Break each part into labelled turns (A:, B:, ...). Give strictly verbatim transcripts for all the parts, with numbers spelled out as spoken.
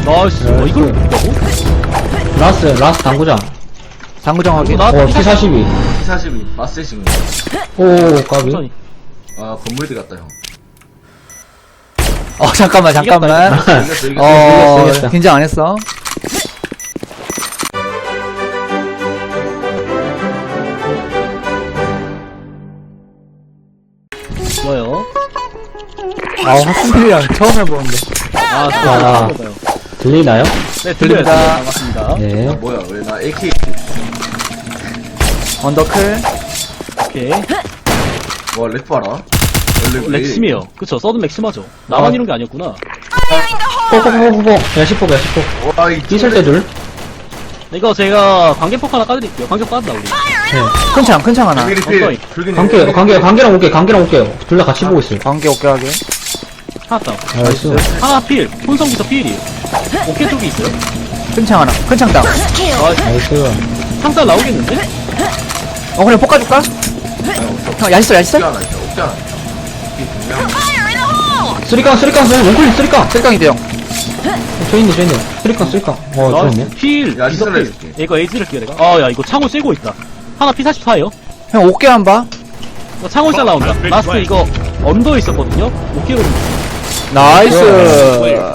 A: 나이스. 어, 이걸 못다고?
B: 라스, 라스 당구장.
C: 당구장 확인.
A: 나
B: 어, 피 사십이.
D: 피 사십이 마세신 거.
B: 오, 까비.
A: 천천히.
D: 아 건물대 같다 형.
C: 어, 잠깐만, 잠깐만.
D: 이겼어 이겼어 이겼어.
C: 어,
B: 이겼어, 이겼어.
C: 긴장 안 했어.
A: 좋아요.
C: 아, 학생들이랑 처음 해보는데.
A: 아,
B: 아.
A: 좋아요.
B: 들리나요?
A: 네,
C: 들립니다.
A: 들립니다. 반갑습니다.
B: 네.
D: 아, 뭐야 왜 나 에이케이.
C: 언더클.
A: 오케이.
D: 와 렉 봐라. 원래 왜
A: 렉심이에요. 그쵸, 서든 렉심하죠. 나만
B: 아.
A: 이런 게 아니었구나.
B: 뽀뽀뽀뽀뽀. 야, 십포, 야, 십포.
D: 이래? 와, 이
B: 있을 때 둘.
A: 이거 제가 관계폭 하나 까드릴게요. 관계 까드다, 우리.
B: 네.
C: 큰 창, 큰 창 하나.
D: 관계
A: 엉덩이.
D: 리필. 불균
B: 관계, 관계, 관계랑 올게, 관계랑 올게요. 둘 다 같이 보고 있어요.
C: 관계 오케이 하게.
A: 하나 다운.
B: 나이스.
A: 하나 필. 혼성부터 필이에요. 어깨 쪽에 있어요.
C: 큰 창 하나. 큰 창 땅.
A: 나이스.
B: 나이스.
A: 상살 나오겠는데?
C: 어, 그냥 볶아줄까? 형, 야시설, 야시설?
D: 없잖아 있어 없잖아. 이게 그냥
B: 쓰리깡, 쓰리깡, 쓰리깡. 원클릭 쓰리깡.
C: 쓸깡이 돼요.
B: 저 있네, 저 있네. 쓰리깡, 쓰리깡. 어, 저
A: 나이스.
B: 있네.
A: 필.
D: 야,
A: 이거
D: 시설을
A: 필.
D: 해줄게.
A: 이거 에이지를 끼워, 내가. 아, 야, 이거 창호 쐬고 있다. 하나 피 사십사에요.
C: 형, 오케이 한 봐.
A: 이거 창호 잘 나온다. 라스트 이거 언더에 있었거든요? 오케이거든요.
C: 나이스.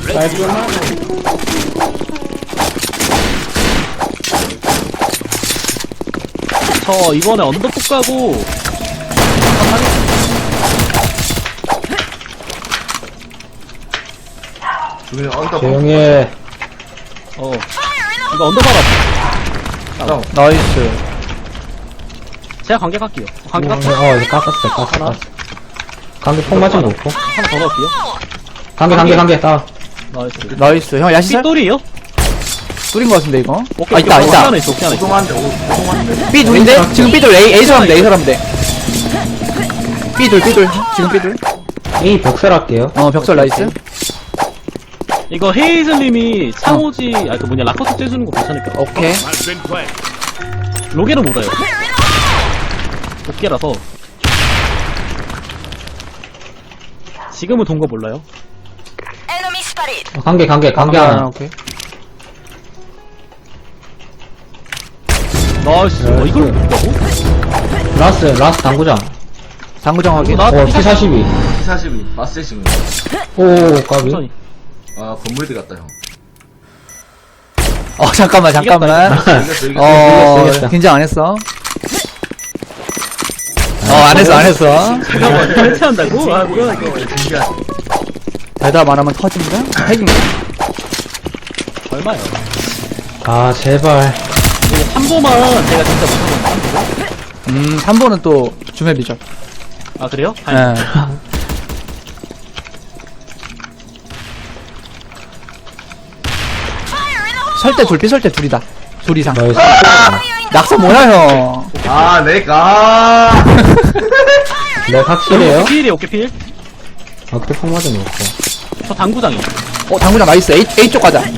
A: 저 이번에 언더 폭 가고
D: 그냥 언더.
B: 조용히 해.
A: 어 이거 언더 받아.
D: 다운.
C: 나이스.
A: 제가 관계 갈게요. 관계
B: 어,
A: 깎죠.
B: 어, 이제 깎았어, 깎았어. 관계 폭 맞은 거 없고.
A: 하나 더 넣을게요.
B: 관계, 관계, 관계. 따.
A: 나이스.
C: 나이스. 형, 야시설?
A: 삐돌이에요?
C: 뚫린 거 같은데, 이거?
A: 오케이.
C: 아, 있다,
A: 오케이.
C: 있다.
A: 하나 있어. 오케이 하나 있어.
D: 오동한데 오동한데.
C: B 둘인데? 지금 B 둘, A, A 사람 돼, A 사람 돼. B 둘, B 둘. 지금 B 둘.
B: A 벽설 할게요.
C: 어, 벽설 나이스.
A: 이거 헤이즐님이 창호지 아그 뭐냐 라커스 째주는 거 괜찮을까?
C: 오케이.
A: 로게를 못 와요. 어깨라서 지금은 돈 거 몰라요.
E: Enemy spotted.
B: 어, 관계, 관계, 관계
C: 아,
B: 하나.
C: 오케이.
A: 나이스. 어, 이걸 못다고?
B: 라스, 라스 당구장.
C: 당구장 확인.
A: 나
B: 어, 피 사십이.
D: 피 사십이 마세신 거.
B: 오, 까비.
A: 천천히.
D: 아 건물대 같다 형.
C: 어, 잠깐만, 잠깐만.
D: 이겼어 이겼어.
C: 어,
B: 이겼어, 이겼어.
C: 긴장 안 했어. 어, 안 했어, 안 했어.
A: 잠깐만. 해체한다고? 아 뭐야 이거.
D: 신기하네.
C: 대답 안 하면 터진다? 핵인가?
A: 얼마야?
B: 아, 제발.
A: 이거 삼 보만 제가 진짜 못하는 거.
C: 음, 삼 번은 또 주맵이죠.
A: 아 그래요?
C: 예.
A: 아니,
C: 설대 둘, 삐설대 둘이다. 둘 이상.
B: 나이스.
C: 낙서 뭐야, 형.
D: 아 내가.
B: 네, 확실해요?
A: 필이에요. 오케이 필.
B: 아, 그때 폭 맞은 거 없어.
A: 저 당구장이요.
C: 어, 당구장 나이스. A, A 쪽 가자.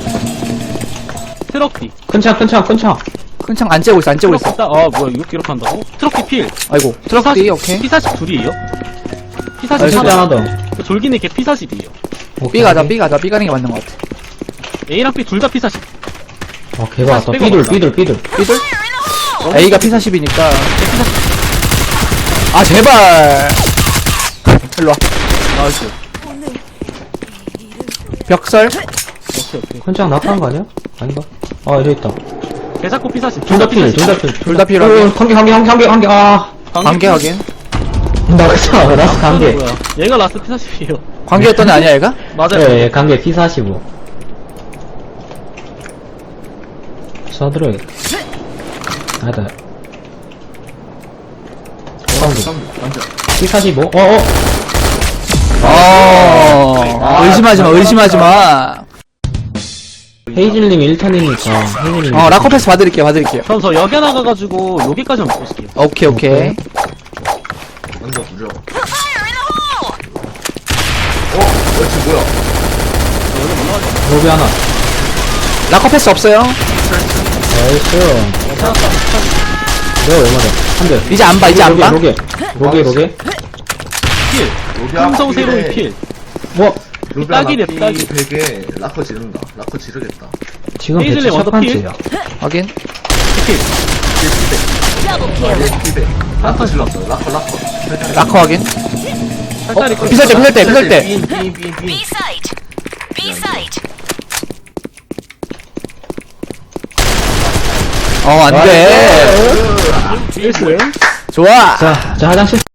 A: 트럭디.
B: 큰 창, 큰 창, 큰 창.
C: 큰 창 안 째고 있어, 안 째고 있어.
A: 트럭디. 아 뭐야 이거 기록 한다고? 트럭디 필.
C: 아이고. 트럭 D, 오케이.
A: 피 사십 둘이에요? 피
B: 큰
A: 사십
B: 창 하나 더.
A: 졸기는 걔 피 사십이에요.
C: B 가자, B 가자. B 가는 게 맞는 것 같아.
A: A랑 B 둘 다 피 사십.
B: 어, 개가 왔다.
A: 빼고
B: 삐둘,
A: 먹자.
B: 삐둘, 삐둘.
C: B들? A가 P 사십이니까. 아, 제발. 일로 와.
A: 나이스.
C: 벽설.
A: 오케이 오케이.
B: 큰 창 낙하한 거 아니야? 아닌가? 아, 여기 있다.
A: 걔 자꾸 피 사십.
B: 둘 다 필, 둘 다 필.
C: 둘 다 필요하게.
B: 어, 관계, 관계, 관계, 관계, 관계. 아.
C: 관계 확인.
B: 낙사, 라스 관계.
A: 뭐야? 얘가 라스트 피 사십이에요.
C: 관계였던 애 아니야, 얘가?
A: 맞아요.
B: 예, 예, 관계 피 사십오. 쏴들어야겠다. 아니다. 피 사십오? 어어!
C: 어, 의심하지 마, 의심하지 마.
B: 헤이즐님 일 턴이니까, 헤이즐님.
C: 어, 라커 패스 봐드릴게요, 봐드릴게요.
A: 그럼 저 여기 나가가지고 여기까지만 먹고 있을게요.
C: 오케이, 오케이.
D: 언더 부죠. 어? 그렇지 뭐야?
B: 로비 하나.
C: 라커 패스 없어요.
B: 나이스. 내가 왜 맞아? 한 대.
C: 이제 안 봐, 이제 안 봐.
B: 로게, 로게, 로게.
A: 필.
D: 로비
A: 금성
D: 앞
A: 세로이
D: 필에
A: 필.
B: 뭐?
D: 루비아
A: 딱이래,
D: 나
A: 딱이.
D: 삐백에 라커 지른다. 라커 지르겠다.
B: 지금 배치
A: 헤이즐리
B: 첫
A: 원더
B: 번째야.
C: 확인.
D: 얘 삐백. 라커 질렀어. 라커, 라커.
C: 라커 확인.
A: 살짝
C: 어, 비설 때, 비설 때, 비설 때.
D: 빈, 빈, 빈, 빈.
E: B site. B site.
C: 어, 안 돼.
A: 일스.
C: 좋아.
B: 자, 자, 화장실.